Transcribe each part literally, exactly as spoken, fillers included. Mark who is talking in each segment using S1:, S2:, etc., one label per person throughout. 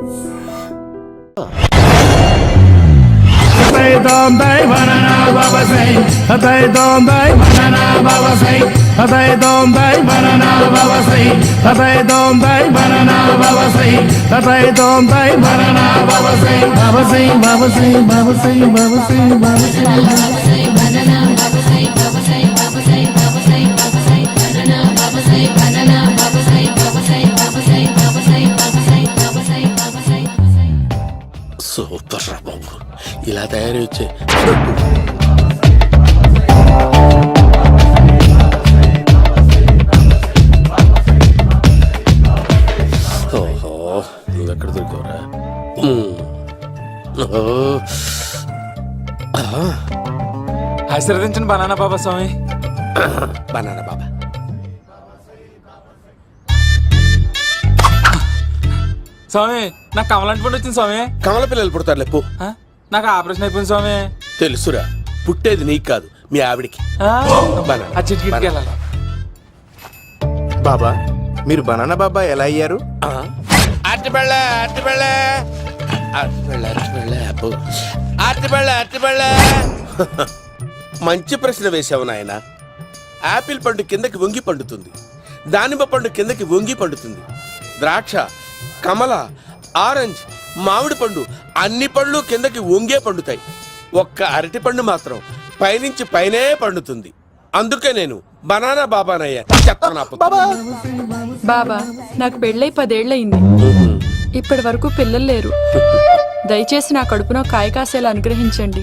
S1: Dom dai banana baba say, hatay dom dai banana baba say, hatay dom dai banana baba say, hatay dom dai banana baba say, hatay dom dai banana baba say, baba say, baba say, baba say, baba say, baba say, baba say, banana baba say, baba say, baba say, baba say, baba say, banana baba say, banana baba say, baba say, baba say, baba say, baba say, baba say, baba say. Super బాబు ఇలా తయారు వచ్చే ఓహో నువ్వు ఎక్కడ దొరికావురా?
S2: ఆశీర్వదించండి banana బాబా స్వామి.
S1: Banana బాబా
S2: స్వామి నాకు కమలంటి పండు వచ్చింది స్వామి.
S1: కమల పిల్లలు పుడతారు లేపు.
S2: నాకు ఆపరేషన్ అయిపోయింది స్వామి.
S1: తెలుసురా, పుట్టేది నీకు కాదు మీ ఆవిడికి.
S2: ఆ చిటికిటికి వెళ్ళాలి.
S3: బాబా మీరు బనానా బాబా ఎలా అయ్యారు?
S1: అరటిపళ్ళ అరటిపళ్ళ అరటిపళ్ళ అరటిపళ్ళ అబ్బో అరటిపళ్ళ అరటిపళ్ళ. మంచి ప్రశ్న వేసావు నాయన. యాపిల్ పండు కిందకి వంగి పండుతుంది, దానిమ్మ పండు కిందకి వంగి పండుతుంది, ద్రాక్ష, కమల, ఆరెంజ్, మామిడి పండు అన్ని పళ్ళు కిందకి వంగే పండుతాయి. ఒక్క అరటి పండు మాత్రం పైనుంచి పైనే పండుతుంది. అందుకే నేను బనానా బాబానయ్యా.
S4: బాబా నాకు పెళ్ళై పదేళ్లయింది. ఇప్పటి వరకు పిల్లలు లేరు. దయచేసి నా కడుపునో కాయ కాసేలా అనుగ్రహించండి.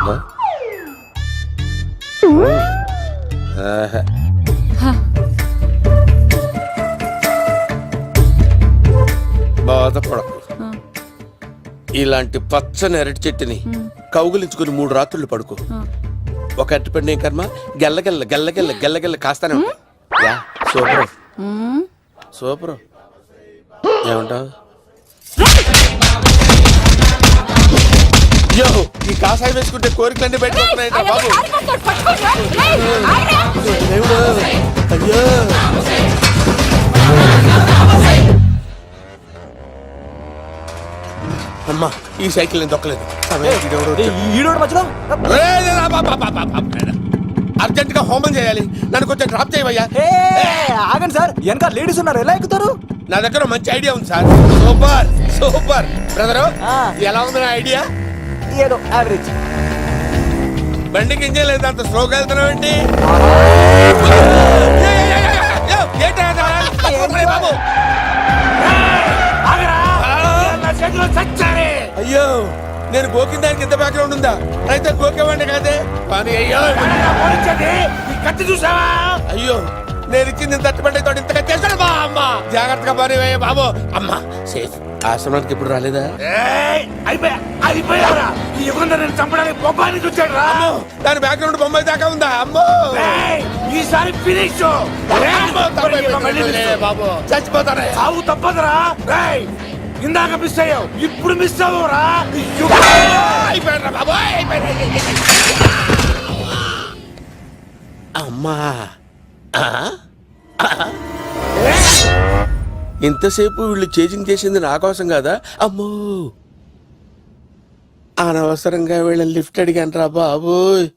S1: బాధపడకు. ఇలాంటి పచ్చని అరటి చెట్టుని కౌగులించుకుని మూడు రాత్రులు పడుకో. ఒక అరటి పండు ఏం కర్మ గెల్లగెల్ల గెల్లగెల్ల గెల్లగెల్ల కాస్తానే ఉంటాయి. Yeah super super. ఏమంటావు? యో ఈ కాసాయి వేసుకుంటే కోరికలన్నీ బయటకొస్తున్నాయంట బాబు. అయ్యో అమ్మా ఈ సైకిల్ నేను దొక్కలేదు. అర్జెంట్ గా హోమం చేయాలి, నన్ను కొంచెం డ్రాప్ చేయవయ్యా.
S3: ఆగండి సార్, వెనక లేడీస్ ఉన్నారు, ఎలా ఎక్కుతారు?
S1: నా దగ్గర మంచి ఐడియా ఉంది సార్. Super super brother. ఎలా ఉంది నా ఐడియా?
S3: ఏదో యావరేజ్.
S1: బండికి ఇంజన్ లేదు, అంత స్లోగా వెళ్తున్నావు ఏంటి? బాబు అయ్యో నేను గోకిన దానికి ఇంత బ్యాక్గ్రౌండ్ ఉందా? అయితే గోకేవాడిని కాదే పని. అయ్యో కత్తి చూసావా? అయ్యో నేను ఇచ్చింది తట్టుబడి తోటి ఇంతగా చేస్తాడు బా. అమ్మ జాగ్రత్తగా పని వేయ బాబు. అమ్మ సేఫ్. ఆశ్రమానికి ఇప్పుడు రాలేదా? దాని బ్యాక్గ్రౌండ్ బొమ్మాయి దాకా ఉందా? అమ్మో ఈసారి ఫినిష్ బాబు. చచ్చిపోతారా? సాగు తప్పదురా. ఇందాక మిస్ అయ్యావు, ఇప్పుడు మిస్ అవ్వరా? అమ్మా ఇంతసేపు వీళ్ళు చేజింగ్ చేసింది నా కోసం కాదా? అమ్మో అనవసరంగా వీళ్ళని లిఫ్ట్ అడిగాను రా బాబు.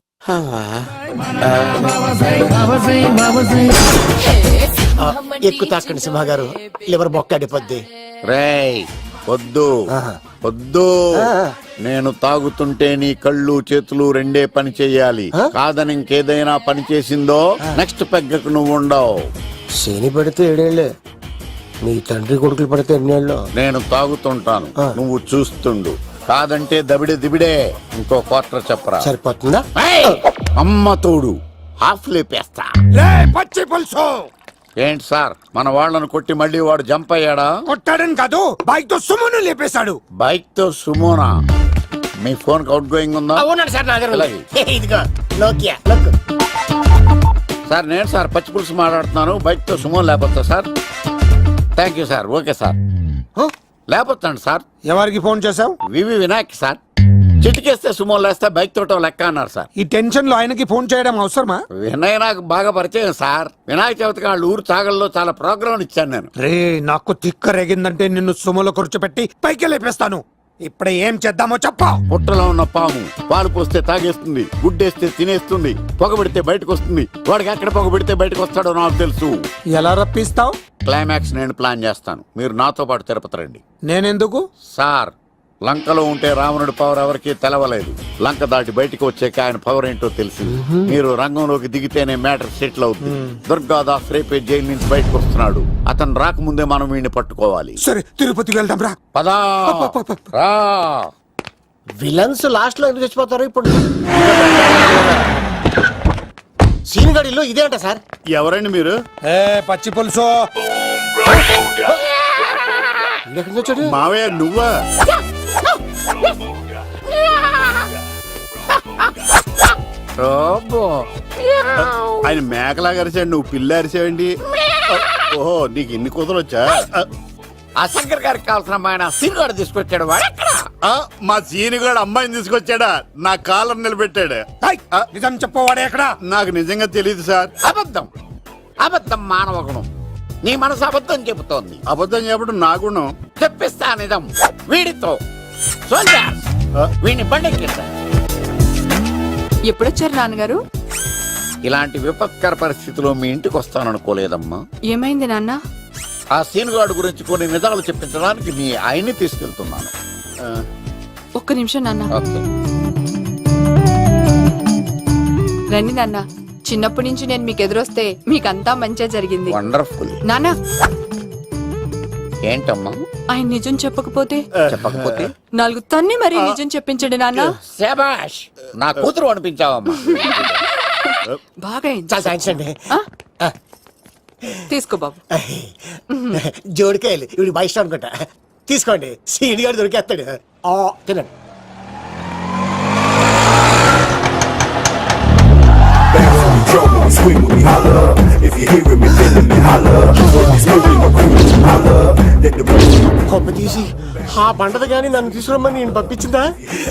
S3: ఎక్కు తాకండి సింహ గారు, లివర్ బొక్క అడిపోద్ది.
S5: రేయ్ వద్దు వద్దు, నేను తాగుతుంటే నీ కళ్ళు చేతులు రెండే పని చెయ్యాలి. కాదని ఇంకేదైనా పని చేసిందో నెక్స్ట్ పెగ్గకు నువ్వు ఉండవు.
S3: శని పడితే ఏడేళ్లే, మీ తండ్రి కొడుకులు పడితే ఎన్నేళ్ళు.
S5: నేను తాగుతుంటాను, నువ్వు చూస్తుండు. కాదంటే దబిడే దిబిడే. ఇంకో క్వార్టర్ చెప్పరా?
S3: సరిపోతుందా?
S5: అమ్మ తోడు హాఫ్ లేపేస్తా.
S1: పచ్చి పులుసు.
S5: ఏంటి సార్, మన వాళ్ళను కొట్టి మళ్ళీ వాడు జంప్ అయ్యాడా?
S1: కొట్టాడని కాదు, బైక్ తో సుమోను లేపేశాడు.
S5: బైక్ తో సుమోనా? మీ ఫోన్ అవుట్ గోయింగ్ ఉందా? సార్ నేను సార్ పచ్చి పులుసు మాట్లాడుతున్నాను. బైక్ తో సుమో లేకపోతా sir? Thank you sir. Okay sir, లేకపోతాండి సార్.
S3: ఎవరికి ఫోన్ చేసావు?
S5: V V Vinayak sir. చిటికేస్తే సుమో లేస్తే బైక్ తోటో లెక్క అన్నారు సార్.
S6: ఈ టెన్షన్ లో ఆయనకి ఫోన్ చేయడం అవసరమా?
S5: వినయ్ నాకు బాగా పరిచయం సార్. వినాయక చవితికి వాళ్ళ ఊరు చాగల్లో చాలా ప్రోగ్రాం ఇచ్చాను నేను.
S6: రే నాకు తిక్క రేగిందంటే నిన్ను సుమలో కూర్చోపెట్టి పైకి లేపేస్తాను. ఇప్పుడే ఏం చేద్దామో చెప్ప.
S5: పుట్టలో ఉన్న పాము పాలు పోస్తే తాగేస్తుంది, గుడ్డేస్తే తినేస్తుంది, పొగబెడితే బయటకు వస్తుంది. వాడికి ఎక్కడ పొగబెడితే బయటకు వస్తాడో నాకు తెలుసు.
S6: ఎలా రప్పిస్తావు?
S5: క్లైమాక్స్ నేను ప్లాన్ చేస్తాను, మీరు నాతో పాటు తిరుపతి రండి.
S6: నేనెందుకు?
S5: సార్ లంకలో ఉంటే రావణుడి పవర్ ఎవరికి తెలవలేదు. లంక దాటి బయటకు వచ్చాక ఆయన పవర్ ఏంటో తెలిసి మీరు రంగంలోకి దిగితేనే మ్యాటర్ సెటిల్ అవుతుంది. దుర్గాదాస్ రేపే జైలు నుంచి బయటకు వస్తున్నాడు. అతను రాకముందే మనం వీడిని పట్టుకోవాలి.
S6: సరే తిరుపతి వెళ్దాం రా.
S5: పదా రా.
S3: విలన్స్ లాస్ట్ లో ఎందుకు చచ్చిపోతారు ఇప్పుడు? సీన్ గడిలో ఇదే అంట సార్.
S5: ఎవరండి మీరు?
S6: ఏ పచ్చి పులుసు
S3: ఎక్కడి నుంచి వచ్చాడు?
S5: మావయ్య నువ్వా? ఆయన మేకలా అరిచాడు, నువ్వు పిల్ల అరిచావండి. ఓహో నీకు ఇన్ని కుదరొచ్చా? ఆ శంకర్ గారికి కావాల్సిన అమ్మాయి సీనుగాడు తీసుకొచ్చాడు. మా సీనుగాడు అమ్మాయిని తీసుకొచ్చాడా? నా కాలర్ నిలబెట్టాడు.
S6: నిజం చెప్పవాడే ఎక్కడ?
S5: నాకు నిజంగా తెలియదు సార్. అబద్ధం అబద్ధం మానవ గుణం. నీ మనసు అబద్ధం చెబుతోంది. అబద్ధం చెప్పడం నా గుణం. తెప్పిస్తా నిజం వీడితో. వీడిని బండెక్కిస్తా.
S4: ఎప్పుడొచ్చారు నాన్నగారు?
S5: ఇలాంటి విపత్కర పరిస్థితిలో మీ ఇంటికి వస్తాననుకోలేదమ్మా.
S4: ఏమైంది నాన్న?
S5: ఆ సీనుగాడు గురించి కొన్ని నిజాలు చెప్పించడానికి మీ ఆయన్ని తీసుకెళ్తున్నాను.
S4: ఒక్క నిమిషం నాన్న.
S5: ఓకే.
S4: రండి నాన్న. చిన్నప్పటి నుంచి నేను మీకు ఎదురొస్తే మీకంతా మంచిగా జరిగింది.
S5: వండర్ఫుల్.
S4: నాన్న
S5: ఏంటమ్మా?
S4: ఆయన నిజం చెప్పకపోతే
S5: చెప్పకపోతే
S4: నాలుగు తన్ని మరీ నిజం చెప్పించండి నాన్న.
S5: శభాష్, నా కూతురు అనిపించావమ్మా.
S4: బాగా అయింది.
S3: చాలా థ్యాంక్స్ అండి.
S4: ఆ? తీసుకో బాబు.
S3: జోడికాయలు ఇవి బాగా ఇష్టం అనుకుంటా. తీసుకోండి, సీని గారు దొరికేస్తాడు. ఆ, తినండి.
S7: Drum when we swing when we holler. If you hear me, feeling me, holler. When we smoking, my crew, holler. Let the boom.
S3: కొమ్మ తీసి ఆ పంటది కానీ నన్ను తీసుకురమ్మని నేను పంపించిందా?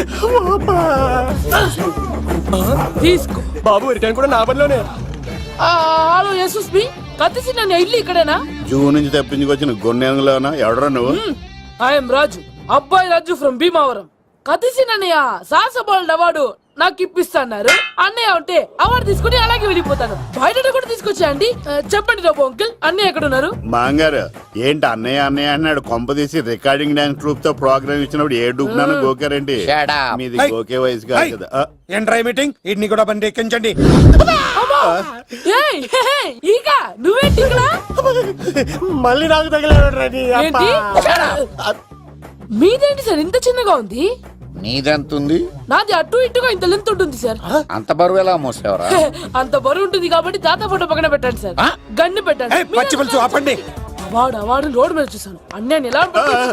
S8: తీసుకో
S3: బాబు రిటర్న్ కూడా నా పనిలోనే.
S8: హలో యశస్ బి కత్తిసి నన్ను ఇల్లు ఇక్కడేనా?
S5: జూ నుంచి తప్పించుకొచ్చిన గొన్నెంగులోనా? ఎవడరా నువ్వు?
S8: ఐఎమ్ రాజు, అబ్బాయి రాజు ఫ్రమ్ భీమావరం. కత్తిసి నన్నయ్య సాహసబాలుడు అవార్డు నాకు ఇప్పిస్తాన్నారు. అన్నయ్య ఉంటే అవార్డు తీసుకుని అలాగే వెళ్ళిపోతాను. బయట కూడా తీసుకొచ్చా అండి. చెప్పండి రాబు అంకిల్, అన్నయ్య ఎక్కడ ఉన్నారు?
S5: మాంగారు ఏంటి అన్నయ్య అన్నయ్య అన్నాడు? కొంప తీసి రికార్డింగ్ డాన్స్ ట్రూప్ తో ప్రోగ్రామ్ ఇచ్చినప్పుడు ఏ డూబ్నాను గోకారండి. మీది గోకే వయసు కాదు కదా. ఆ,
S6: ఏంట్రై మీటింగ్? ఇడ్ని కూడా బండి ఎక్కించండి.
S8: ఏయ్, హే, హే, ఈక నువ్వేంటి ఇక్కడ?
S3: మళ్ళీ నాకు తగిలాడు.
S8: ఏంటి? మీదేంటి సార్ ఇంత చిన్నగా ఉంది?
S5: నీదెంతుంది?
S8: నాది అటు ఇటుగా ఇంత లెంత్ ఉంటుంది సార్.
S5: అంత బరువు ఎలా మోసేవరా?
S8: అంత బరువు ఉంటుంది కాబట్టి తాత ఫోటో పక్కన పెట్టండి సార్. గన్ను పెట్టండి.
S6: ఏయ్, పచ్చి పులుసు ఆపండి.
S8: వాడు వాడు రోడ్డు మీద చూసాను. అన్నయ్య ఎలా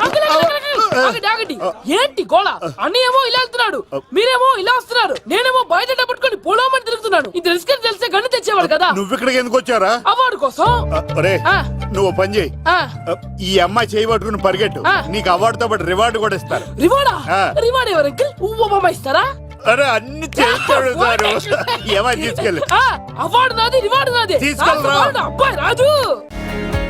S8: ఏంటి గోళ? అన్నయ్య ఏమో ఇలా వెళ్తున్నాడు, మీరేమో ఇలా వస్తున్నారు, నేనేమో బయట పట్టుకొని పోలోమని తిరుగుతున్నాను. ఇది రిస్క్ అని తెలిస్తే గన్ను తెచ్చేవాడు కదా.
S5: నువ్వు ఇక్కడికి ఎందుకు వచ్చారా?
S8: అవార్డు కోసం.
S5: ఒరే
S8: ఆ.
S5: నువ్వు పని చేయి.
S8: ఆ.
S5: ఈ అమ్మాయి చేయి పట్టుకుని పరిగెట్టు.
S8: ఆ.
S5: నీకు అవార్డుతో పాటు రివార్డు కూడా ఇస్తారు.
S8: రివార్డా?
S5: ఆ.
S8: రివార్డ్ ఎవరు అంకిల్? ఉవ్వమ్మ ఇస్తారా?
S5: అరే అన్ని చేస్తాడు సారు. ఏమని తీసుకెళ్ళి
S8: అవార్డు నాది, రివార్డు నాది.
S5: తీసుకెళ్ళరా.
S8: అబ్బాయి రాజు.